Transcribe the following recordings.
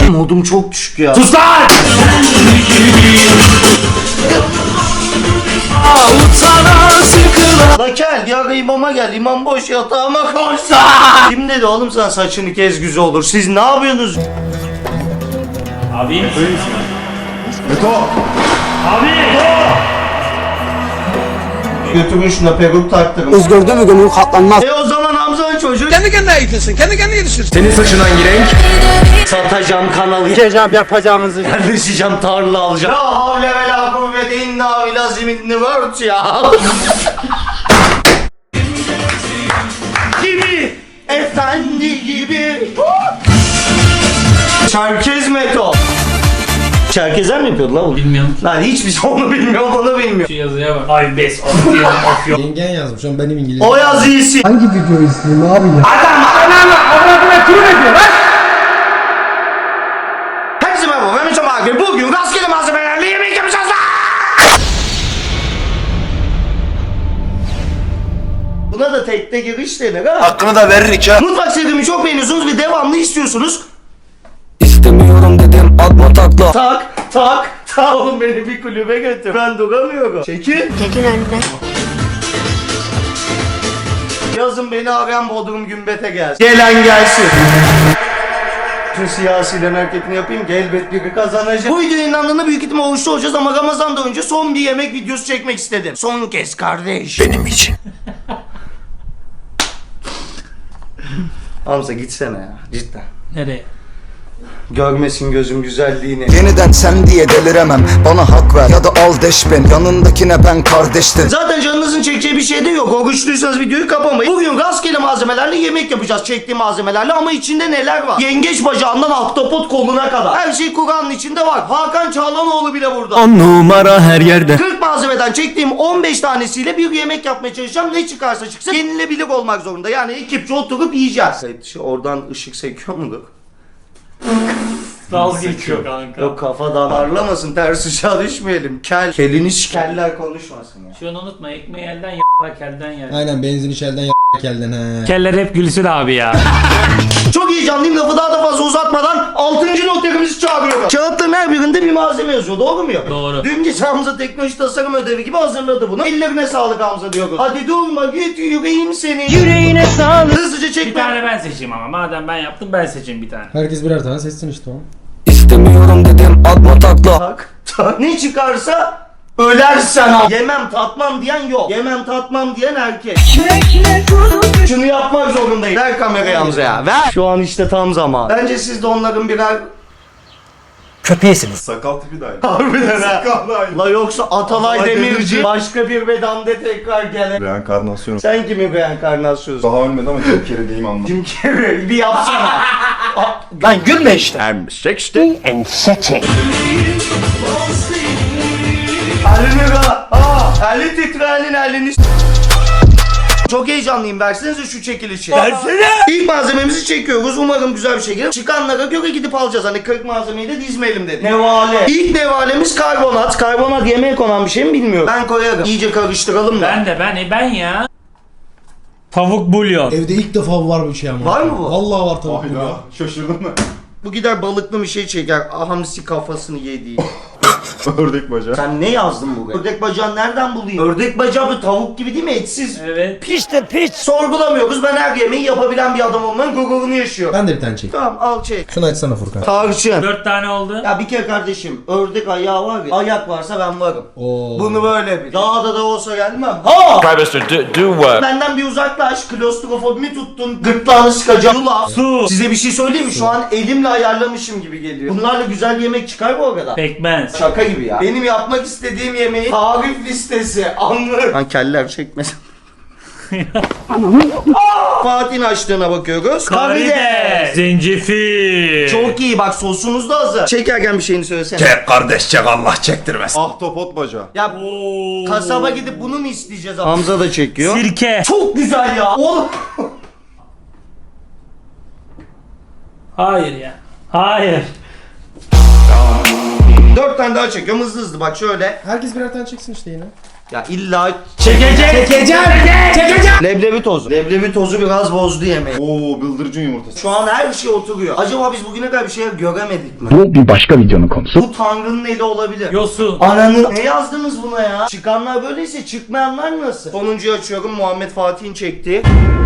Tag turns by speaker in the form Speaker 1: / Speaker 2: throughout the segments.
Speaker 1: Modum çok düşük ya.
Speaker 2: Sus lan!
Speaker 1: La gel ya, imama gel, imam boş yatağıma koşsa. Kim dedi oğlum sana saçını kez güzel olur? Siz ne yapıyorsunuz?
Speaker 2: Abi iyi misin?
Speaker 3: Beto!
Speaker 2: Abi!
Speaker 1: Götürün şuna peruk taktırın.
Speaker 4: Gördün mü gönül katlanmaz.
Speaker 1: O zaman Hamza'nın çocuğu.
Speaker 4: Kendi kendine eğitilsin, kendi kendine yetiştirsin.
Speaker 3: Senin saçın hangi renk?
Speaker 1: Satacağım kanalı.
Speaker 4: Yiyeceğim yapacağınızı.
Speaker 1: Yerleşeceğim, tarla alacağım. La havle ve la kuvvete inna bilazim in the world ya. Gibi. Efendi gibi. Çerkez meto. Çerkezler mi yapıyordu la bunu?
Speaker 2: Bilmiyorum.
Speaker 1: Lan hiçbir şey onu bilmiyor, onu bilmiyor.
Speaker 2: Şu yazıya bak. Ay bes of diyelim of yok.
Speaker 5: Yengen yazmış ama benim İngilizce.
Speaker 1: O yaz iyisi.
Speaker 4: Hangi videoyu izleyeyim abi ya?
Speaker 1: Hepsi merhaba, ben Müslüm Akif. Bugün rastgele malzemelerle yemek yapacağız lan. Buna da tekte giriş denir ha.
Speaker 3: Hakkını da veririk ha.
Speaker 1: Mutfak serimi çok beğeniyorsunuz ve devamlı istiyorsunuz.
Speaker 4: İstemiyorum dedim atma takla.
Speaker 1: Tak. Oğlum beni bir kulübe götür. Ben duramıyorum. Çekil.
Speaker 6: Çekil önünden.
Speaker 1: Yazın beni arayan Bodrum Gümbet'e gelsin. Gelen gelsin. Tüm siyasilerin hareketini yapayım ki elbet biri kazanacak. Bu video yayınlandığında büyük ihtimal oruçlu olacağız ama Ramazan'dan önce son bir yemek videosu çekmek istedim. Son kez kardeş.
Speaker 3: Benim için.
Speaker 1: Hamza gitsene ya cidden.
Speaker 2: Nereye?
Speaker 1: Görmesin gözüm güzelliğini.
Speaker 4: Yeniden sen diye deliremem. Bana hak ver ya da al deş ben. Yanındakine ben kardeştim.
Speaker 1: Zaten canınızın çekeceği bir şey de yok. Oruçluysanız videoyu kapamayın. Bugün rastgele malzemelerle yemek yapacağız, çektiğim malzemelerle, ama içinde neler var? Yengeç bacağından ahtapot koluna kadar. Her şey Kur'an'ın içinde var. Hakan Çağlanoğlu bile burada.
Speaker 4: 10 numara her yerde.
Speaker 1: 40 malzemeden çektiğim 15 tanesiyle bir yemek yapmaya çalışacağım. Ne çıkarsa çıksın yenilebilir olmak zorunda. Yani ekipçe oturup yiyeceğiz. Oradan ışık sekiyor mudur?
Speaker 2: Dalga geçiyor kanka.
Speaker 1: Yok, kafadan parlamasın, ters ışığa düşmeyelim. Kelini şikeller konuşmasın ya.
Speaker 2: Şunu unutma, ekmeği elden y**lar kelden yer.
Speaker 5: Aynen benzin içeriden kelden he.
Speaker 2: Keller hep gülsün abi ya.
Speaker 1: Çok heyecanlıyım, lafı daha da fazla uzatmadan 6. noterimizi çağırıyorum. Kağıtların her birinde bir malzeme yazıyor, doğru mu?
Speaker 2: Doğru.
Speaker 1: Dün gece Hamza teknoloji tasarım ödevi gibi hazırladı bunu. Ellerine sağlık Hamza diyoruz. Hadi durma, git yüreğim senin. Yüreğine sağlık. Hızlıca çekme.
Speaker 2: Bir tane ben seçeyim ama madem ben yaptım ben seçeyim bir tane.
Speaker 5: Herkes birer tane seçsin işte o.
Speaker 4: İstemiyorum dedim atma takla.
Speaker 1: Tak. Ne çıkarsa ölersen al. Yemem tatmam diyen yok. Yemem tatmam diyen erkek. Şunu yapmak zorundayım. Ver kamerayı Hamza'ya, ver. Şu an işte tam zaman. Bence siz de onların birer
Speaker 4: Köpeğisiniz.
Speaker 3: Sakal tipi dahil.
Speaker 1: harbiden ha.
Speaker 3: Sakal dahil.
Speaker 1: La yoksa Atalay
Speaker 3: Atalay
Speaker 1: Demirci
Speaker 3: Demirci.
Speaker 1: başka bir bedende tekrar gele.
Speaker 3: Reenkarnasyon.
Speaker 1: Sen kimin reenkarnasyonsun?
Speaker 3: Daha ölmedi ama çok kere deyim anlam.
Speaker 1: Kim kere bir yapsana.
Speaker 4: Lan gülme işte.
Speaker 1: Elini ver. Eli titreyenin elini Çok heyecanlıyım, versenize şu çekilişi. Versene. İlk malzememizi çekiyoruz, umarım güzel bir şey gelir. Çıkanlara göre gidip alacağız, hani 40 malzemeyi de dizmeyelim dedim. Nevale. İlk nevalemiz karbonat. Karbonat yemeğe konan bir şey mi bilmiyorum. Ben koyarım. İyice karıştıralım da.
Speaker 2: Ben ya. Tavuk bulyon.
Speaker 5: Evde ilk defa var bir şey ama.
Speaker 1: Var mı bu?
Speaker 5: Vallahi var tavuk
Speaker 3: Hayda.
Speaker 5: ya.
Speaker 3: Şaşırdın mı?
Speaker 1: Bu gider balıklı bir şey çeker. Hamsi kafasını yediği.
Speaker 3: Ördek bacağı.
Speaker 1: Sen ne yazdın buraya? Ördek bacağını nereden bulayım? Ördek bacağı bu tavuk gibi değil mi? Etsiz.
Speaker 2: Evet.
Speaker 1: Sorgulamıyoruz. Ben her yemeği yapabilen bir adam olmanın gururunu yaşıyorum.
Speaker 5: Ben de bir tane çek.
Speaker 1: Tamam, al çek.
Speaker 5: Şunu açsana Furkan.
Speaker 1: Tarçın.
Speaker 2: 4 tane oldu.
Speaker 1: Ya bir kere kardeşim, ördek ayağı var ya, ayak varsa ben varım.
Speaker 5: Oo.
Speaker 1: Bunu böyle bil. Dağda da olsa gelmem. Ha! Benden bir uzaklaş, klostrofobimi tuttun, gırtlağını sıkacağım. Yulaf.
Speaker 2: Su.
Speaker 1: Size bir şey söyleyeyim mi? Şu an elimle ayarlamışım gibi geliyor. Bunlarla güzel yemek çıkar bu arada.
Speaker 2: Pekmez.
Speaker 1: Şaka gibi ya. Benim yapmak istediğim yemeği tarif listesi anlarım. Lan keller çekmesin. Fatih'in açtığına bakıyoruz. Karides.
Speaker 2: Zencefil.
Speaker 1: Çok iyi, bak sosumuz da hazır. Çekerken bir şeyini söylesene.
Speaker 3: Çek kardeş çek, Allah çektirmez. Ahtapot bacağı.
Speaker 1: Ya
Speaker 2: Oo.
Speaker 1: kasaba gidip bunu mu isteyeceğiz? Hamza da çekiyor.
Speaker 2: Sirke.
Speaker 1: Çok güzel ya. Oğlum.
Speaker 2: Hayır ya. Hayır.
Speaker 1: 4 tane daha çekiyorum hızlı hızlı, bak şöyle.
Speaker 5: Herkes birer tane çeksin işte yine.
Speaker 1: Ya illa
Speaker 5: Çekeceğim.
Speaker 1: leblebi tozu. Leblebi tozu biraz bozdu yemeği.
Speaker 3: Oo bıldırcın yumurtası.
Speaker 1: Şu an her şey oturuyor. Acaba biz bugüne kadar bir şey göremedik mi?
Speaker 4: Bu bir başka videonun konusu.
Speaker 1: Bu Tanrı'nın eli olabilir.
Speaker 2: Yosun.
Speaker 1: Ananın ne yazdınız buna ya? Çıkanlar böyleyse çıkmayanlar nasıl? Sonuncuyu açıyorum, Muhammed Fatih'in çektiği.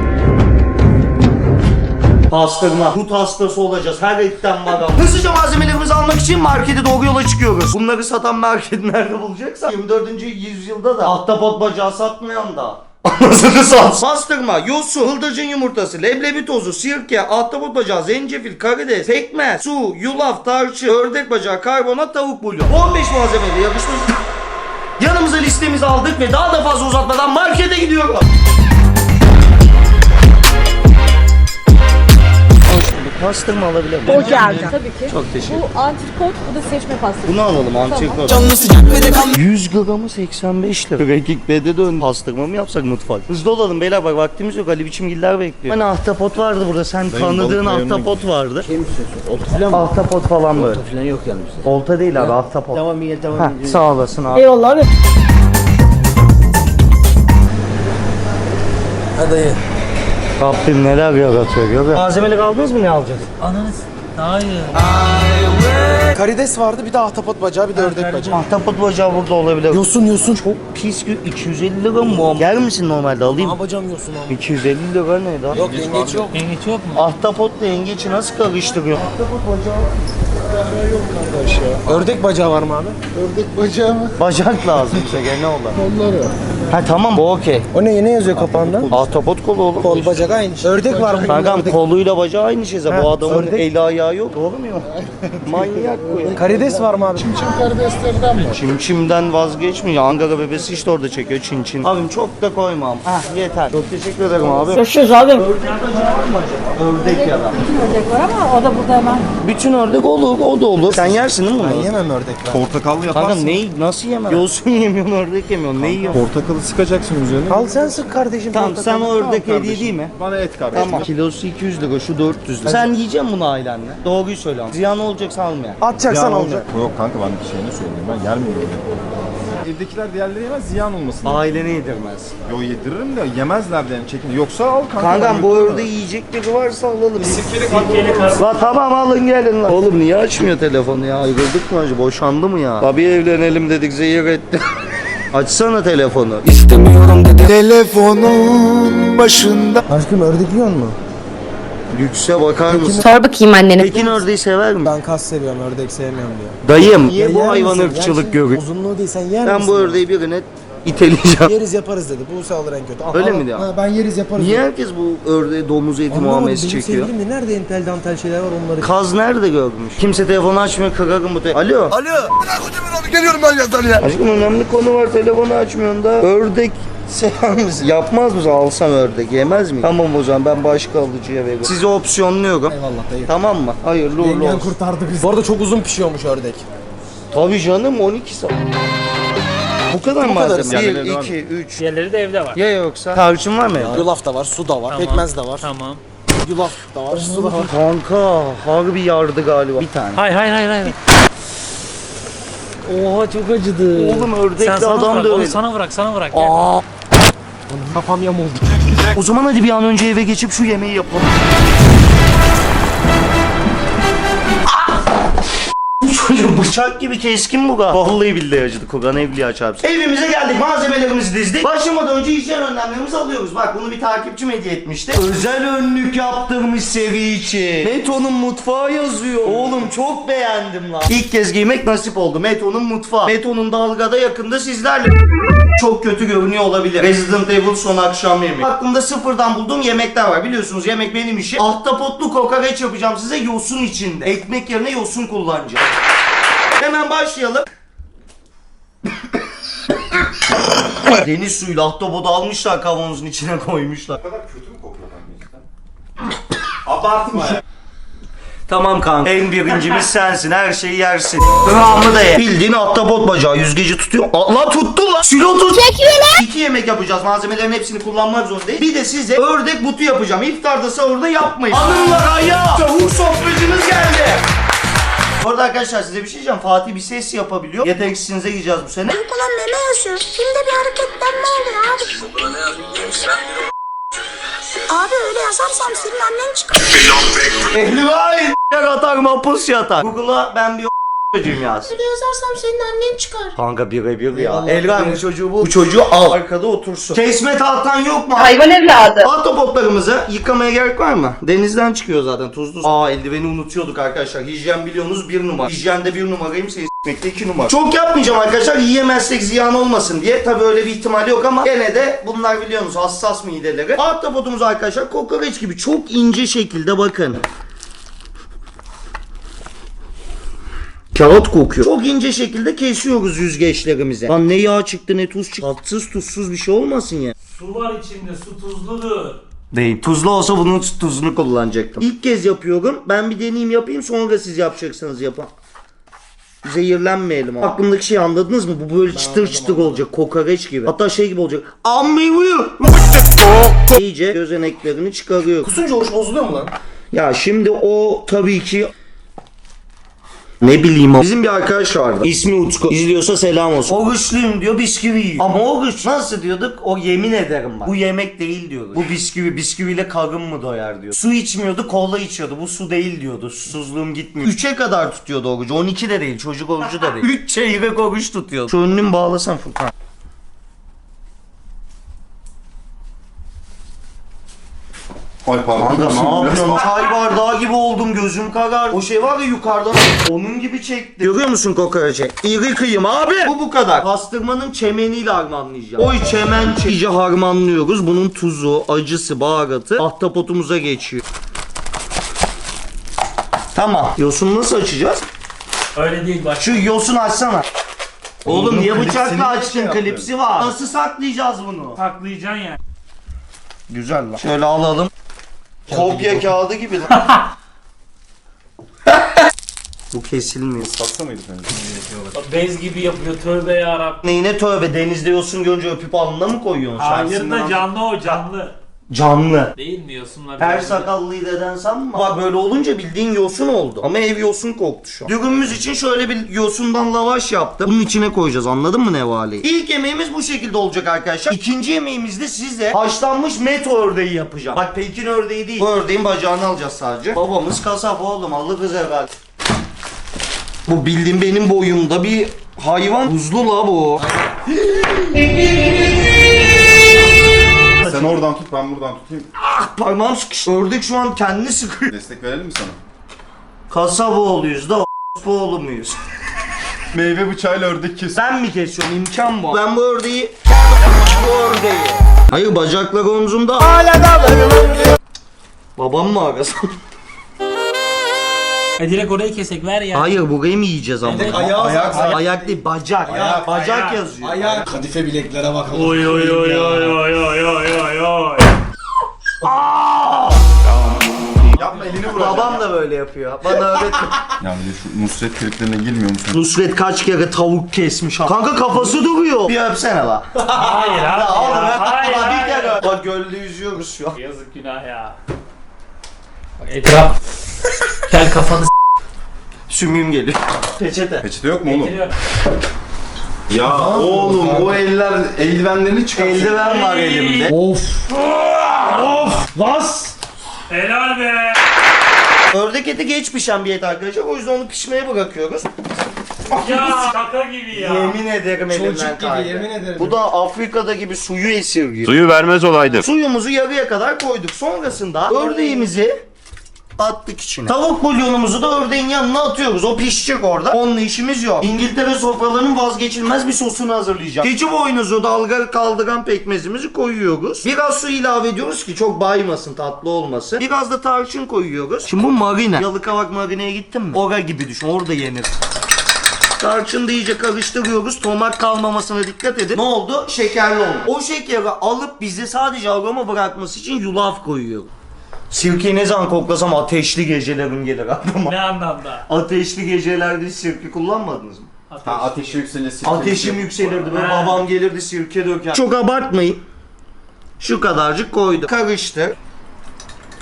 Speaker 1: Pastırma. Kut hastası olacağız. Her etten var. Hızlıca malzemelerimizi almak için markete doğru yola çıkıyoruz. Bunları satan market nerede bulacaksan 24. yüzyılda da ahtapot bacağı satmayan da anasını sat. Pastırma, yosun, bıldırcın yumurtası, leblebi tozu, sirke, ahtapot bacağı, zencefil, karides, pekmez, su, yulaf, tarçın, ördek bacağı, karbonat, tavuk bulyon. 15 malzemeyle yakışmış. Yanımıza listemizi aldık ve daha da fazla uzatmadan markete gidiyoruz. Pastırma alabilir miyim?
Speaker 6: O geldi. Tabii ki.
Speaker 1: Çok teşekkür ederim.
Speaker 6: Bu antrikot, bu da seçme pastası.
Speaker 1: Bunu alalım antrikot. 100 gramı 85 lira. Rekik bede dön. Pastırma mı yapsak mutfak? Hızlı olalım beyler, bak vaktimiz yok. Ali biçimgiller bekliyor. Hani ahtapot vardı burada. Sen tanıdığın
Speaker 3: balık
Speaker 1: ahtapot vardı.
Speaker 5: Şey mi istiyorsun? Olta falan mı?
Speaker 1: Ahtapot falan böyle.
Speaker 5: Olta falan yok yalnız.
Speaker 1: Olta değil abi, ahtapot.
Speaker 5: Tamam iyi tamam.
Speaker 1: Heh, sağ olasın abi.
Speaker 6: Eyvallah abi.
Speaker 5: Hadi iyi.
Speaker 1: Rabbim neler yaratıyor görüyor. Malzemeleri aldınız mı, ne alacağız?
Speaker 2: Ananız. Hayır.
Speaker 5: Karides vardı, bir de ahtapot bacağı, bir de ördek bacağı.
Speaker 1: Ahtapot bacağı burada olabilir.
Speaker 5: Yosun.
Speaker 1: Çok pis 250 lira mı? Yer misin normalde, alayım?
Speaker 5: Ne yapacağım yosun abi?
Speaker 1: 250 lira ne daha?
Speaker 5: Yok yengeç yok.
Speaker 2: Yengeç yok mu?
Speaker 1: Ahtapotla yengeci nasıl karıştırıyor? Ahtapot bacağı.
Speaker 5: Ördek bacağı var mı abi?
Speaker 1: Bacak lazım bize gene olan. Kolları. Ha tamam, bu okey.
Speaker 5: O ne yazıyor kapağında?
Speaker 1: Ahtapot kolu oğlum.
Speaker 5: Kol bacak aynı şey. Ördek var mı?
Speaker 1: Kankam koluyla bacağı aynı şey zaten. Bu adamın
Speaker 5: ördek.
Speaker 1: eli ayağı yok. Doğru mu ya? Manyak bu ya.
Speaker 5: Karides var mı abi?
Speaker 1: Çimçimden vazgeçmiyor. Ankara bebesi işte orada çekiyor çin. Abim çok da koymam. Ah yeter. Çok teşekkür ederim abi.
Speaker 6: Görüşürüz abi.
Speaker 1: Ördek bacağı var mı acaba? Ördek ya da.
Speaker 6: Ördek var ama o da burada hemen.
Speaker 1: Bütün ördek olur, o da olur. Sen yersin değil mi
Speaker 5: Ben
Speaker 1: bunu?
Speaker 5: yemem ördek ben.
Speaker 3: Portakallı
Speaker 1: Kankam
Speaker 3: yaparsın.
Speaker 1: neyi nasıl yemem? Yosun yemiyorsun, ördek yemiyorsun. Neyi yiyorsun?
Speaker 3: Portakalı sıkacaksın üzerine.
Speaker 5: Al sen sık kardeşim.
Speaker 1: Tamam
Speaker 5: portakalı.
Speaker 1: sen o ördek hediye değil mi?
Speaker 3: Bana et kardeşim.
Speaker 1: Tamam. Kilosu 200 lira, şu 400 lira. Sen yiyeceksin bunu ailenle. Doğruyu söyle ama. Ziyan olacaksa almaya.
Speaker 5: Atacaksan
Speaker 3: Ziyan
Speaker 5: alacak.
Speaker 3: olacak. Yok kanka ben bir şeyini söyleyeyim, ben yer miyim? Evdekiler diğerleri yemez, ziyan olmasın.
Speaker 1: Ailene yedirmez.
Speaker 3: Yo yediririm de yemezler de yani çekin. Yoksa al kanka.
Speaker 1: Kankam bu
Speaker 3: yutma.
Speaker 1: ördeği yiyecekleri varsa alalım.
Speaker 3: Sirkeli
Speaker 1: La tamam alın gelin lan. Oğlum niye açmıyor telefonu ya? Ayrıldık mı acaba? Boşandı mı ya? Tabii evlenelim dedik, zehir etti. Açsana telefonu.
Speaker 4: İstemiyorum dedi. Telefonun başında.
Speaker 5: Aşkım ördek yiyor mu?
Speaker 1: Lükse bakar mısın?
Speaker 7: Sor bakayım annene.
Speaker 1: Pekin ördeği sever mi?
Speaker 5: Ben kas seviyorum, ördek sevmiyorum diyor.
Speaker 1: Dayım. Niye
Speaker 5: Ya
Speaker 1: bu
Speaker 5: yer
Speaker 1: hayvan
Speaker 5: misin?
Speaker 1: ırkçılık
Speaker 5: Yersin.
Speaker 1: görüyor?
Speaker 5: Uzunluğu değil, sen yer
Speaker 1: Ben
Speaker 5: misin?
Speaker 1: bu ördeği birine iteleyeceğim.
Speaker 5: Yeriz yaparız dedi. Buse alır en kötü.
Speaker 1: Öyle mi diyor?
Speaker 5: Ben yeriz yaparız.
Speaker 1: Niye
Speaker 5: dedi.
Speaker 1: herkes bu ördeği domuz eti
Speaker 5: Anlamadım,
Speaker 1: muamelesi
Speaker 5: benim
Speaker 1: çekiyor?
Speaker 5: sevgilim de nerede entel dantel şeyler var onları.
Speaker 1: Kaz nerede görmüş? Kimse telefonu açmıyor, kırarım bu Alo.
Speaker 4: Alo. Geliyorum ben yazdan ya.
Speaker 1: Aşkım önemli konu var, telefonu açmıyorsun da. Ördek sever misin? Yapmaz mısın? Alsam ördek yemez miyim? Tamam o zaman ben başka alıcıya veririm. Sizi opsiyonluyorum.
Speaker 5: Eyvallah dayı.
Speaker 1: Tamam mı? Hayırlı uğurlu
Speaker 5: Yengen
Speaker 1: olsun.
Speaker 5: kurtardı bizi. Bu arada çok uzun pişiyormuş ördek.
Speaker 1: Tabii canım 12 saat. Bu kadar
Speaker 5: Bu kadar.
Speaker 1: malzeme.
Speaker 3: Diğerleri
Speaker 1: 1,
Speaker 3: de var
Speaker 1: 2, 3.
Speaker 2: Diğerleri de evde var.
Speaker 1: Ya yoksa? Tarçın var mı ya?
Speaker 5: Yulaf da var, su da var,
Speaker 2: Tamam.
Speaker 5: pekmez de var.
Speaker 2: Tamam.
Speaker 5: Yulaf da var, su da var.
Speaker 1: Kanka harbi yardı galiba. Bir tane.
Speaker 2: Hayır.
Speaker 1: Oha çok acıdı. Oğlum
Speaker 2: Sen
Speaker 1: ördekli
Speaker 2: sana
Speaker 1: adam
Speaker 2: bırak, onu
Speaker 1: dövelim.
Speaker 2: sana bırak.
Speaker 1: Aa.
Speaker 5: Kafam yamuldu.
Speaker 1: O zaman hadi bir an önce eve geçip şu yemeği yapalım. Çocuk bıçak gibi keskin bu ga. Vallahi billahi acıdı. Kogan evliya çarpsın. Evimize geldik. Malzemelerimizi dizdik. Başlamadan önce hijyen önlemlerimizi alıyoruz. Bak bunu bir takipçim hediye etmişti. Özel önlük yaptırmış seri için. Meto'nun mutfağı yazıyor. Oğlum çok beğendim lan. İlk kez giymek nasip oldu. Meto'nun mutfağı. Meto'nun dalgada yakında sizlerle. Çok kötü görünüyor olabilir. Resident Evil son akşam yemeği. Aklımda sıfırdan bulduğum yemekler var. Biliyorsunuz yemek benim işim. Ahtapotlu kokoreç yapacağım size yosun içinde. Ekmek yerine yosun kullanacağım. Hemen başlayalım. Deniz suyuyla ahtapotu almışlar, kavanozun içine koymuşlar.
Speaker 3: Bu kadar kötü mü kokuyor kanka? Abartma ya.
Speaker 1: Tamam kanka. En birincimiz sensin. Her şeyi yersin. Kıvamı da ye. Bildiğin ahtapot bacağı. Yüzgeci tutuyor. Allah tuttu lan. Silo tut. Çekiyor lan. 2 yemek yapacağız. Malzemelerin hepsini kullanmak zorundayız. Bir de size ördek butu yapacağım. İftarda sahurda yapmayın. Hanımlar ayağa. Tavuk sofracımız geldi. Bu arada arkadaşlar size bir şey diyeceğim. Fatih bir ses yapabiliyor. Yeteneksizinize gireceğiz bu sene.
Speaker 7: Ulan meme yazıyor. Filmde bir hareketlenme oluyor abi. Abi öyle yazarsam senin annen çıkar.
Speaker 1: Elvay atar mapus yatar. Google'a ben bir çocuğum yaz.
Speaker 7: Öyle yazarsam senin annen çıkar.
Speaker 1: Kanka birebir ya. Elvay bu çocuğu bu. Bu çocuğu al. Arkada otursun. Kesme tahtan yok mu?
Speaker 6: Hayvan evladı.
Speaker 1: Ahtapotlarımızı yıkamaya gerek var mı? Denizden çıkıyor zaten tuzlu. Eldiveni unutuyorduk arkadaşlar. Hijyen biliyorsunuz 1 numara. Hijyende 1 numarayım, s**mekte 2 numara. Çok yapmayacağım arkadaşlar, yiyemezsek ziyan olmasın diye. Tabi öyle bir ihtimal yok ama gene de bunlar biliyorsunuz hassas mideleri. Ahtapotumuz arkadaşlar kokoreç gibi çok ince şekilde bakın. Kağıt kokuyor. Çok ince şekilde kesiyoruz yüzgeçlerimize. Lan ne yağ çıktı ne tuz çıktı. Tatsız tuzsuz bir şey olmasın ya.
Speaker 2: Su var içinde, su tuzludur.
Speaker 1: Değil. Tuzlu olsa bunun tuzunu kullanacaktım. İlk kez yapıyorum. Ben bir deneyim yapayım, sonra siz yapacaksınız yapın. Zehirlenmeyelim abi. Aklımdaki şeyi anladınız mı? Bu böyle çıtır çıtır olacak. Kokoreç gibi. Hatta şey gibi olacak. İyice gözeneklerini çıkarıyor.
Speaker 5: Kusunca hoş bozuluyor mu lan?
Speaker 1: Ya şimdi o tabii ki ne bileyim o. Bizim bir arkadaş vardı. İsmi Utku. İzliyorsa selam olsun. Oruçluyum diyor, bisküvi yiyor. Ama oruç nasıl diyorduk? O yemin ederim bak. Bu yemek değil diyordu. Bu bisküvi. Bisküviyle karın mı doyar diyor. Su içmiyordu, kola içiyordu. Bu su değil diyordu. Susuzluğum gitmiyor. 3'e kadar tutuyordu orucu. 12 de değil. Çocuk orucu da değil. 3 çeyrek oruç tutuyordu. Şu önlüğümü bağlasan Furkan.
Speaker 3: Ay pardon.
Speaker 1: Kanka ne yapıyorsun? Çay bardağı gibi oldum, gözüm karar. O şey var ya yukarıdan onun gibi çekti. Görüyor musun kokoreci? İri kıyım abi. Bu kadar. Pastırmanın çemeniyle harmanlayacağım. O çemen iyice harmanlıyoruz. Bunun tuzu, acısı, baharatı ahtapotumuza geçiyor. Tamam. Yosunu nasıl açacağız?
Speaker 2: Öyle değil bak.
Speaker 1: Şu yosunu açsana. Oğlum niye bıçakla
Speaker 3: klipsini
Speaker 1: açtın?
Speaker 3: şey yaptın.
Speaker 1: Klipsi var. Nasıl saklayacağız bunu?
Speaker 2: Saklayacaksın yani.
Speaker 1: Güzel lan. Şöyle alalım. Kopya kağıdı gibi lan. Bu kesilmiyor.
Speaker 3: Satsa mıydı sence?
Speaker 2: Bez gibi yapıyor, tövbe yarabbim.
Speaker 1: Neyine tövbe, denizde yosun görünce öpüp alnına mı koyuyorsun?
Speaker 2: Hayır
Speaker 1: Şahsından
Speaker 2: da canlı o, canlı.
Speaker 1: Canlı.
Speaker 2: Değil mi yosunlar?
Speaker 1: Her
Speaker 2: canlı.
Speaker 1: sakallıyı deden sanma. Bak böyle olunca bildiğin yosun oldu. Ama ev yosun koktu şu an. Dürümümüz için şöyle bir yosundan lavaş yaptım. Bunun içine koyacağız, anladın mı nevaleyi? İlk yemeğimiz bu şekilde olacak arkadaşlar. İkinci yemeğimizde size haşlanmış meto ördeği yapacağım. Bak Pekin ördeği değil. Bu ördeğin bacağını alacağız sadece. Babamız kasap oğlum, alırız herhalde. Bu bildiğin benim boyumda bir hayvan. Buzlu la bu.
Speaker 3: Sen oradan tut, ben buradan tutayım.
Speaker 1: Parmağım sıkıştı. Ördek şu an kendini sıkıyor.
Speaker 3: Destek verelim mi sana?
Speaker 1: Kasaboğluyuz da oğlu muyuz?
Speaker 3: Meyve bıçağıyla ördek kes.
Speaker 1: Ben mi kesiyorum? İmkan bu. Ben bu ördeği... Bu ördeği. Hayır, bacaklar omzumda. Hala da babam mı arasın?
Speaker 2: Direkt orayı kesek ver ya.
Speaker 1: Hayır, burayı mı yiyeceğiz ama? Ayak değil, bacak. Bacak yazıyor.
Speaker 5: Ayak. Kadife bileklere bakalım.
Speaker 2: Oy oy oy oy oy oy oy oy oy.
Speaker 3: Yapma, elini vuracağım.
Speaker 1: Babam da böyle yapıyor. Bana öğretti.
Speaker 3: Ya bir de şu Nusret triplerine girmiyor musun?
Speaker 1: Nusret kaç kere tavuk kesmiş. Kanka kafası duruyor. Bir öpsene la.
Speaker 2: Hayır abi ya. Hayır
Speaker 1: Bir kere
Speaker 2: hayır.
Speaker 1: öp. Bak gölde yüzüyoruz şu an.
Speaker 2: Yazık günah ya. Bak etraf. Gel kafanı
Speaker 1: Sümüğüm geliyor. Peçete.
Speaker 3: Peçete yok mu oğlum?
Speaker 2: s**tiriyor.
Speaker 3: Ya oğlum o eldivenlerini çıkar.
Speaker 1: Eldiven var elimde.
Speaker 2: Helal be.
Speaker 1: Ördek eti geç pişen bir et arkadaşlar. O yüzden onu pişmeye bırakıyoruz.
Speaker 2: Ya şaka gibi ya.
Speaker 1: Yemin ederim elimden
Speaker 5: Çocuk gibi
Speaker 1: kaydı.
Speaker 5: yemin ederim.
Speaker 1: Bu da Afrika'da gibi suyu esirgiyor.
Speaker 8: Suyu vermez olaydı.
Speaker 1: Suyumuzu yarıya kadar koyduk. Sonrasında ördeğimizi attık içine. Tavuk bulyonumuzu da ördeğin yanına atıyoruz. O pişecek orada. Onunla işimiz yok. İngiltere sofralarının vazgeçilmez bir sosunu hazırlayacağım. Keçi boynuzu, dalga kaldıran pekmezimizi koyuyoruz. Biraz su ilave ediyoruz ki çok baymasın, tatlı olmasın. Biraz da tarçın koyuyoruz. Şimdi bu marine. Yalıkavak marineye gittin mi? Ora gibi düşün. Orada yenir. Tarçını da iyice karıştırıyoruz. Tomak kalmamasına dikkat edin. Ne oldu? Şekerli oldu. O şekeri alıp bize sadece aroma bırakması için yulaf koyuyorum. Sirkeyi ne zaman koklasam ateşli gecelerim gelir aklıma.
Speaker 2: Ne anlamda?
Speaker 1: Ateşli gecelerde hiç sirke kullanmadınız mı?
Speaker 3: Ha, ateşi yükselir.
Speaker 1: Ateşim yükselirdi ve
Speaker 2: Ha.
Speaker 1: babam gelirdi sirke döker. Çok abartmayın. Şu kadarcık koydum. Karıştır.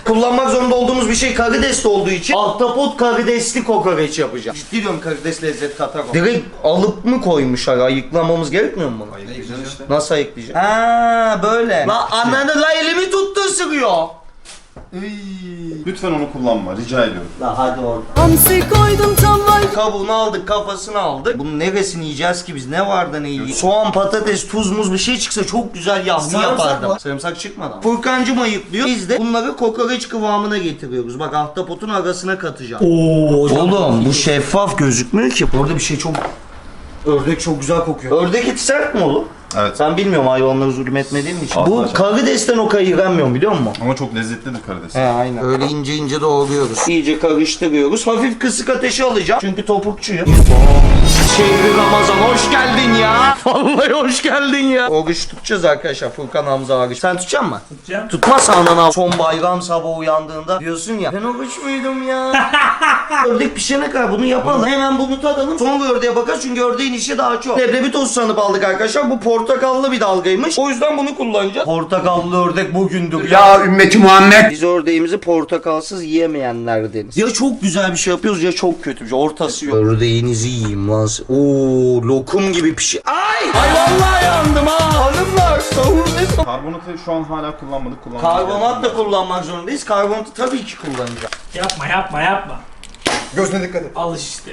Speaker 1: Kullanmak zorunda olduğumuz bir şey karides olduğu için ahtapot karidesli kokoreç yapacağım. Ciddi diyorum, karides lezzet katar o. Direkt alıp mı koymuşlar? Ayıklamamız gerekmiyor mu bunu?
Speaker 3: Ayıklayacaksın işte.
Speaker 1: Nasıl ayıklayacağım? Ha böyle. La ananı la elimi tuttu ısırıyor.
Speaker 3: Lütfen onu kullanma, rica ediyorum.
Speaker 1: La hadi orada.
Speaker 6: Hamsi koydum tam var.
Speaker 1: Kabuğunu aldık, kafasını aldık. Bunun neresini yiyeceğiz ki biz? Ne var da ne yiyeceğiz? Soğan, patates, tuz, muz bir şey çıksa çok güzel yahni
Speaker 5: Sarımsak
Speaker 1: yapardım.
Speaker 5: var.
Speaker 1: Sarımsak çıkmadı. Furkancım ayıklıyor. Biz de bunları kokoreç kıvamına getiriyoruz. Bak ahtapotun arasına katacağım. Oğlum bu şeffaf gözükmüyor ki. Orada bir şey çok... Ördek çok güzel kokuyor. Ördek eti sert mi oğlum?
Speaker 3: Evet.
Speaker 1: Ben bilmiyorum, hayvanları zulmetmediğim için.
Speaker 3: Asla
Speaker 1: Bu
Speaker 3: sert.
Speaker 1: karidesten o kayıramıyorum biliyor musun?
Speaker 3: Ama çok lezzetlidir karides.
Speaker 1: He aynen. Öyle ince ince doğruyoruz. İyice karıştırıyoruz. Hafif kısık ateşe alacağım. Çünkü topukçuyum. Şehri Ramazan hoş geldin ya. Vallahi hoş geldin ya. Oruç tutacağız arkadaşlar. Furkan Hamza oruç. Sen tutacak mısın?
Speaker 2: Tutacağım.
Speaker 1: Tutmazsa anan son bayram sabahı uyandığında diyorsun ya. Ben oruç muydum ya? Ördek pişene kadar bunu yapalım. Hemen bunu tadalım. Sonra ördeğe bakarız çünkü ördeğin işi daha çok. Leblebi tozu sanıp aldık arkadaşlar. Bu portakallı bir dalgaymış. O yüzden bunu kullanacağız. Portakallı ördek bugündür ya.
Speaker 4: ümmeti Muhammed.
Speaker 1: Biz ördeğimizi portakalsız yiyemeyenlerdeniz. Ya çok güzel bir şey yapıyoruz ya çok kötü bir şey. Ortası yok. Ördeğinizi yiyeyim lan. Oo, lokum gibi pişi. Ay vallahi yandım ha. Hanımlar savur ne?
Speaker 3: Karbonatı şu an hala kullanmadık.
Speaker 1: Karbonat da kullanmak zorundayız. Karbonatı tabii ki kullanacağım.
Speaker 2: Yapma.
Speaker 5: Gözüne dikkat et.
Speaker 2: Al işte.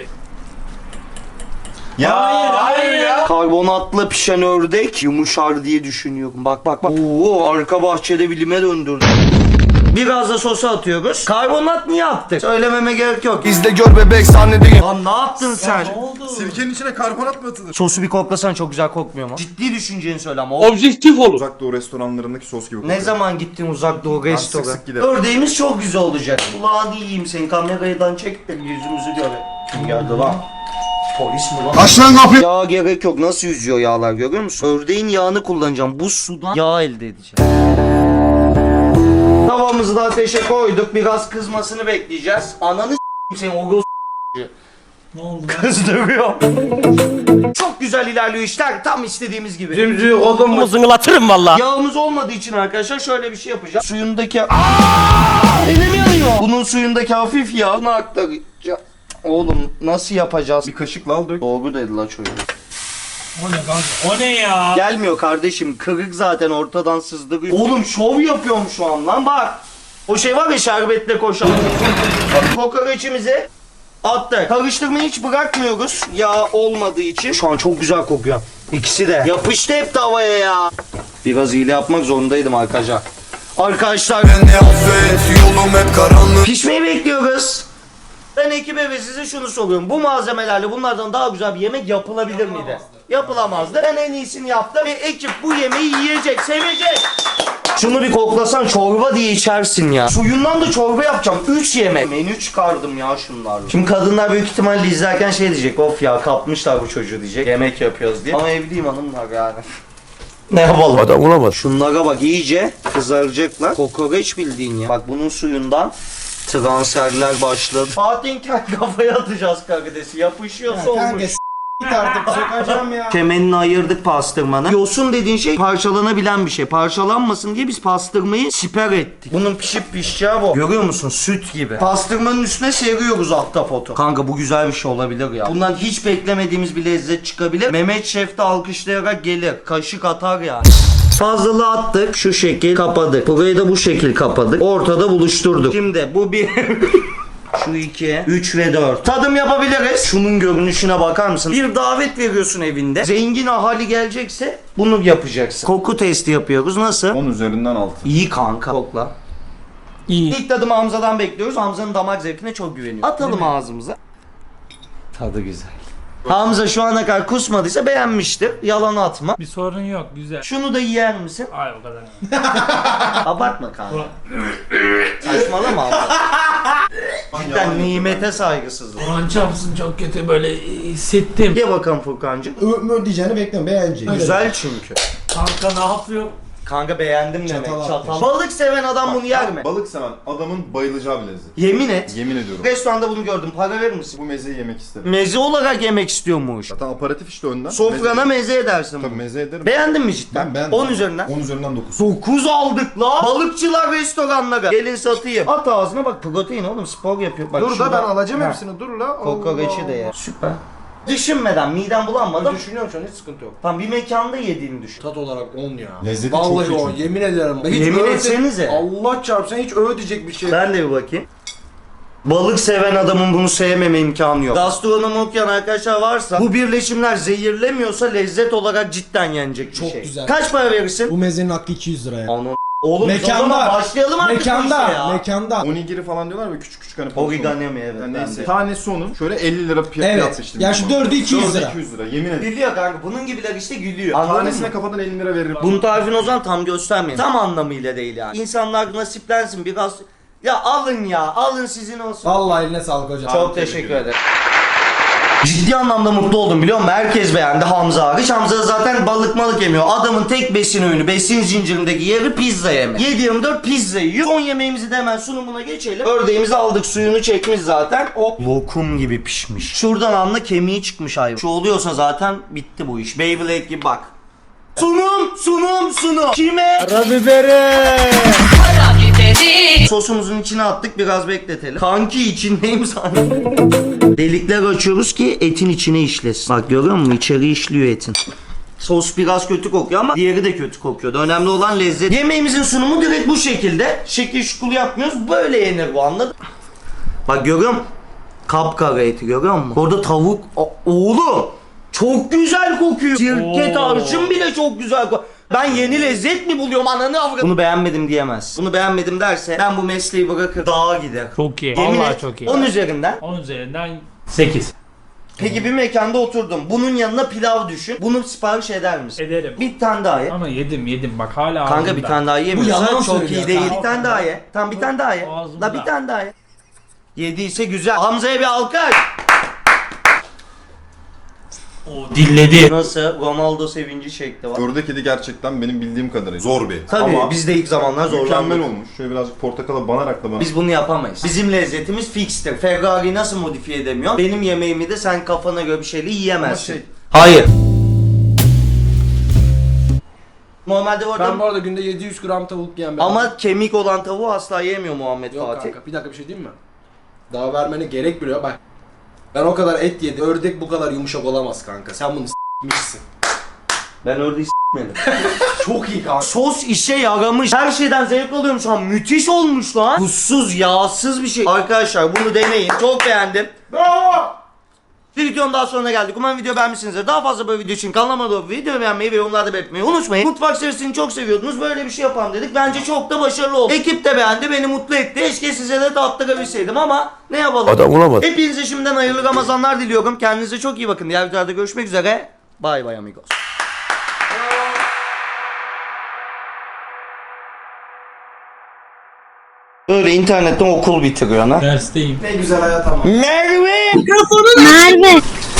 Speaker 3: Hayır ya.
Speaker 1: Karbonatla pişen ördek yumuşar diye düşünüyorum. Bak. Oo, arka bahçede bilime döndürdüm. Biraz da sosa atıyoruz. Karbonat niye attık? Söylememe gerek yok.
Speaker 4: İzle gör bebek sahnedeyim.
Speaker 1: Lan ne yaptın sen?
Speaker 2: Ne oldu?
Speaker 3: Sirkenin içine karbonat mı atılır?
Speaker 1: Sosu bir koklasan çok güzel kokmuyor mu? Ciddi düşüneceğini söyle ama.
Speaker 2: Objektif olur.
Speaker 3: Uzak Doğu restoranlarındaki sos gibi kokuyor.
Speaker 1: Ne zaman gittin uzak doğu restoran?
Speaker 3: sık sık giderim.
Speaker 1: Ördeğimiz çok güzel olacak. Kulağını yiyeyim seni, kameradan çek de yüzümüzü gör. Kim geldi lan? Polis mi lan?
Speaker 4: Aç lan kapıyı.
Speaker 1: Yağ gerek yok. Nasıl yüzüyor yağlar görüyor musun? Ördeğin yağını kullanacağım. Bu sudan yağ elde edeceğim. Tavamızı da ateşe koyduk. Biraz kızmasını bekleyeceğiz. Ananı s**eyim seni o
Speaker 2: Ne oldu?
Speaker 1: kızdırıyor. Çok güzel ilerliyor işler. Tam istediğimiz gibi.
Speaker 2: Zümrüt oğlum zıngılatırım valla.
Speaker 1: Yağımız olmadığı için arkadaşlar şöyle bir şey yapacağız. Suyundaki... Elim yanıyor. Bunun suyundaki hafif yağını aktaracağım. Oğlum nasıl yapacağız?
Speaker 3: Bir kaşıkla al dök.
Speaker 1: Doğru dedi la çocuk.
Speaker 2: O ne kanka? O ne ya?
Speaker 1: Gelmiyor kardeşim. Kırık zaten ortadan sızdırıyor. Oğlum şov yapıyorum şu an lan bak. O şey var ya şerbetle koşan. Kokoreçimizi attık. Karıştırmayı hiç bırakmıyoruz. Yağ olmadığı için. Şu an çok güzel kokuyor. İkisi de. Yapıştı hep tavaya ya. Biraz hile yapmak zorundaydım arkadaşlar. Arkadaşlar
Speaker 4: Ne affet yolum hep karanlık.
Speaker 1: pişmeyi bekliyoruz. Ben ekibe ve size şunu soruyorum. Bu malzemelerle bunlardan daha güzel bir yemek yapılabilir miydi? Yapılamazdı. Ben en iyisini yaptım ve ekip bu yemeği yiyecek, sevecek. Şunu bir koklasan çorba diye içersin ya. Suyundan da çorba yapacağım. 3 yemek. Menü çıkardım ya şunlarla. Şimdi kadınlar büyük ihtimalle izlerken şey diyecek. Of ya kapmışlar bu çocuğu diyecek. Yemek yapıyoruz diye. Ama evliyim hanımlar yani. Ne yapalım?
Speaker 4: Adam olamaz.
Speaker 1: Şunlara bak iyice kızaracaklar. Kokoreç bildiğin ya. Bak bunun suyundan transferler başladı. Fatih'in kafaya atacağız karidesi. Yapışıyorsa
Speaker 5: Kanka
Speaker 1: olmuş.
Speaker 5: git artık sokacağım ya.
Speaker 1: Kemenini ayırdık pastırmanı. Yosun dediğin şey parçalanabilen bir şey. Parçalanmasın diye biz pastırmayı siper ettik. Bunun pişip pişeceği bu. Görüyor musun? Süt gibi. Pastırmanın üstüne seriyoruz ahtapotu. Kanka bu güzel bir şey olabilir ya. Bundan hiç beklemediğimiz bir lezzet çıkabilir. Mehmet Şef de alkışlayarak gelir. Kaşık atar yani. Fazlalığı attık. Şu şekil kapadık. Burayı da bu şekil kapadık. Ortada buluşturduk. Şimdi bu bir... Şu 2, 3 ve 4. Tadım yapabiliriz. Şunun görünüşüne bakar mısın? Bir davet veriyorsun evinde. Zengin ahali gelecekse bunu yapacaksın. Koku testi yapıyoruz. Nasıl?
Speaker 3: 10 üzerinden 6.
Speaker 1: İyi kanka. Kokla.
Speaker 2: İyi.
Speaker 1: İlk tadımı Hamza'dan bekliyoruz. Hamza'nın damak zevkine çok güveniyorum. Atalım ağzımıza. Tadı güzel. Hamza şu ana kadar kusmadıysa beğenmiştir. Yalan atma.
Speaker 2: Bir sorun yok güzel.
Speaker 1: Şunu da yer misin?
Speaker 2: Ay o kadar.
Speaker 1: Abartma kanka. Saçmalama Hamza. Cidden nimete saygısızlık.
Speaker 2: Ulan çarpsın çok kötü böyle hissettim.
Speaker 1: Ye bakalım Furkancığım.
Speaker 5: Diyeceğini bekliyorum beğeneceğim.
Speaker 1: Güzel çünkü.
Speaker 2: Kanka ne yapıyor?
Speaker 1: Kanka beğendim demek.
Speaker 5: Çatal
Speaker 1: Çatal.
Speaker 5: atmış.
Speaker 1: Balık seven adam bunu yer mi?
Speaker 3: Balık seven adamın bayılacağı bir lezzet.
Speaker 1: Yemin et.
Speaker 3: Yemin ediyorum.
Speaker 1: Restoranda bunu gördüm. Para verir misin?
Speaker 3: Bu mezeyi yemek isterim.
Speaker 1: Meze olarak yemek istiyormuş.
Speaker 3: Zaten aparatif işte önden.
Speaker 1: Sofrana meze edersin.
Speaker 3: Tabii meze ederim.
Speaker 1: Beğendin mi cidden?
Speaker 3: Ben beğendim.
Speaker 1: 10 üzerinden.
Speaker 3: 10 üzerinden 9.
Speaker 1: 9 aldık la. Balıkçılar restoranlara. Gelin satayım. At ağzına bak, protein oğlum, spor yapıyor. Bak
Speaker 5: Dur da
Speaker 1: şurada.
Speaker 5: ben alacağım
Speaker 1: Ha.
Speaker 5: hepsini. Dur la.
Speaker 1: Kokoreçi de ye. Süper. Düşünmeden, midem bulanmadan.
Speaker 5: Düşünüyorum şu an, hiç sıkıntı yok.
Speaker 1: Tam bir mekanda yediğini düşün.
Speaker 5: Tat olarak 10 ya.
Speaker 3: Lezzeti
Speaker 5: Vallahi
Speaker 3: çok iyi
Speaker 5: 10,
Speaker 3: çünkü.
Speaker 5: yemin ederim. Hiç
Speaker 1: Yemin
Speaker 5: öyle-
Speaker 1: etsenize.
Speaker 5: Allah çarpsın, hiç öyle diyecek bir şey.
Speaker 1: Ben de bir bakayım. Balık seven adamın bunu sevmeme imkanı yok. Gastronomi okuyan arkadaşlar varsa, bu birleşimler zehirlemiyorsa lezzet olarak cidden yenecek bir
Speaker 5: Çok
Speaker 1: şey.
Speaker 5: güzel.
Speaker 1: Kaç para verirsin?
Speaker 5: Bu mezenin hakkı 200 liraya.
Speaker 1: Ana oğlum
Speaker 5: Mekanda.
Speaker 1: o zaman başlayalım artık bu işe
Speaker 5: Mekanda,
Speaker 1: ya.
Speaker 5: mekanda.
Speaker 3: Onigiri falan diyorlar ve küçük küçük hani porsiyon.
Speaker 1: Origami mi, evet.
Speaker 3: Yani
Speaker 1: ben
Speaker 3: neyse.
Speaker 1: de.
Speaker 3: Tanesi onun. Şöyle 50 lira fiyat
Speaker 5: Evet.
Speaker 3: yapmıştım.
Speaker 5: Ya şu dördü 200 lira.
Speaker 3: 200 lira yemin ederim.
Speaker 1: Gülüyor kanka, bunun gibiler işte gülüyor. Anladın
Speaker 3: Tanesine
Speaker 1: mı?
Speaker 3: kafadan 50 lira veririm.
Speaker 1: Bunun tarifini o zaman tam göstermeyin. Tam anlamıyla değil yani. İnsanlar nasiplensin biraz. Ya alın ya, alın sizin olsun.
Speaker 5: Vallahi eline sağlık hocam.
Speaker 1: Çok teşekkür ederim. Ciddi anlamda mutlu oldum biliyor musun? Herkes beğendi, Hamza hariç. Hamza zaten balık yemiyor. Adamın tek besin öğünü, besin zincirindeki yeri pizza yeme. 7/24 pizza yiyor. Son yemeğimizi de hemen sunumuna geçelim. Ördeğimizi aldık, suyunu çekmiş zaten. Hop. Lokum gibi pişmiş. Şuradan anla kemiği çıkmış hayvan. Şu oluyorsa zaten bitti bu iş. Beyblade gibi bak. Sunum. Kime? Sosumuzun içine attık, biraz bekletelim. Kanki içindeyim sanırım. Delikler açıyoruz ki etin içine işlesin. Bak görüyor musun? İçeri işliyor etin. Sos biraz kötü kokuyor ama diğeri de kötü kokuyordu. Önemli olan lezzet. Yemeğimizin sunumu direkt bu şekilde. Şekil şukul yapmıyoruz. Böyle yenir bu, anladın? Bak görüyor musun? Kapkara eti görüyor musun? Orada tavuk. Oğlum! Çok güzel kokuyor. Sirke tarçın bile çok güzel kokuyor. Ben yeni lezzet mi buluyorum ananı avradım. Bunu beğenmedim diyemez. Bunu beğenmedim derse ben bu mesleği bırakır dağa gider.
Speaker 2: Çok iyi.
Speaker 1: Yemin
Speaker 2: Vallahi
Speaker 1: et,
Speaker 2: çok iyi.
Speaker 1: 10 üzerinden.
Speaker 2: 10 üzerinden 8.
Speaker 1: Peki bir mekanda oturdum. Bunun yanına pilav düşün. Bunu sipariş eder misin?
Speaker 2: Ederim.
Speaker 1: Bir tane daha ye.
Speaker 2: Ama yedim bak hala
Speaker 1: Kanka
Speaker 2: ağzımda.
Speaker 1: bir tane daha
Speaker 5: yalan
Speaker 1: yemiyorsan çok
Speaker 5: söylüyor
Speaker 1: iyi değil.
Speaker 2: kanka.
Speaker 1: Bir tane daha ye. Tamam bir tane daha ye.
Speaker 2: Ağzımda.
Speaker 1: La bir tane daha ye. Yediyse güzel. Hamza'ya bir alkış.
Speaker 2: O dilledi.
Speaker 1: Nasıl? Ronaldo sevinci şekli var.
Speaker 3: Ördek edi gerçekten benim bildiğim kadarıyla. Zor bir.
Speaker 1: Tabii
Speaker 3: Ama
Speaker 1: biz de ilk zamanlar
Speaker 3: mükemmel
Speaker 1: zorlandık.
Speaker 3: olmuş. Şöyle birazcık portakala banarak da bana.
Speaker 1: Biz bunu yapamayız. Bizim lezzetimiz fikstir. Ferrari'yi nasıl modifiye edemiyorum? Benim yemeğimi de sen kafana göre bir şeyle yiyemezsin.
Speaker 3: Ama şey-
Speaker 1: Hayır. Normalde bu arada
Speaker 5: Ben bu arada günde 700 gram tavuk yiyen bir adamım.
Speaker 1: ama kemik olan tavuğu asla yemiyor Muhammed
Speaker 5: Yok
Speaker 1: Fatih.
Speaker 5: kanka, bir dakika bir şey diyeyim mi? Daha vermene gerek bile yok. Bak, ben o kadar et yedim. Ördek bu kadar yumuşak olamaz kanka. Sen bunu s**mişsin.
Speaker 1: Ben ördeği s**medim.
Speaker 5: Çok iyi kanka.
Speaker 1: Sos işe yaramış. Her şeyden zevk alıyorum şu an. Müthiş olmuş lan. Tuzsuz, yağsız bir şey. Arkadaşlar bunu deneyin. Çok beğendim. Bir videonun daha sonuna geldik. Umarım video beğenmişsinizdir. Daha fazla böyle video için kanalıma abone olup videoyu beğenmeyi ve yorumlarda belirtmeyi unutmayın. Mutfak serisini çok seviyordunuz. Böyle bir şey yapalım dedik. Bence çok da başarılı oldu. Ekip de beğendi. Beni mutlu etti. Keşke size de tattırabilseydim ama ne yapalım.
Speaker 4: Adam olamadı.
Speaker 1: Hepinize şimdiden hayırlı Ramazanlar diliyorum. Kendinize çok iyi bakın. Diğer videolarda görüşmek üzere. Bay bay amigos. Öyle internetten okul bitiriyor ha.
Speaker 2: Dersteyim.
Speaker 5: Ne güzel hayat ama.
Speaker 1: Merve!
Speaker 7: Merve.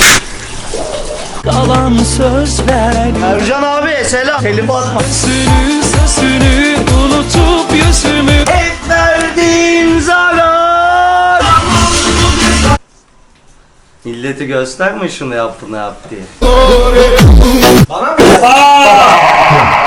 Speaker 1: Kalan sözler. Ercan abi selam. Telif atma.
Speaker 2: Sözünü unutup yüzümü.
Speaker 1: Hep verdiğin zarar. Milleti gösterme şunu yap bunu yap diye.
Speaker 5: Bana mı?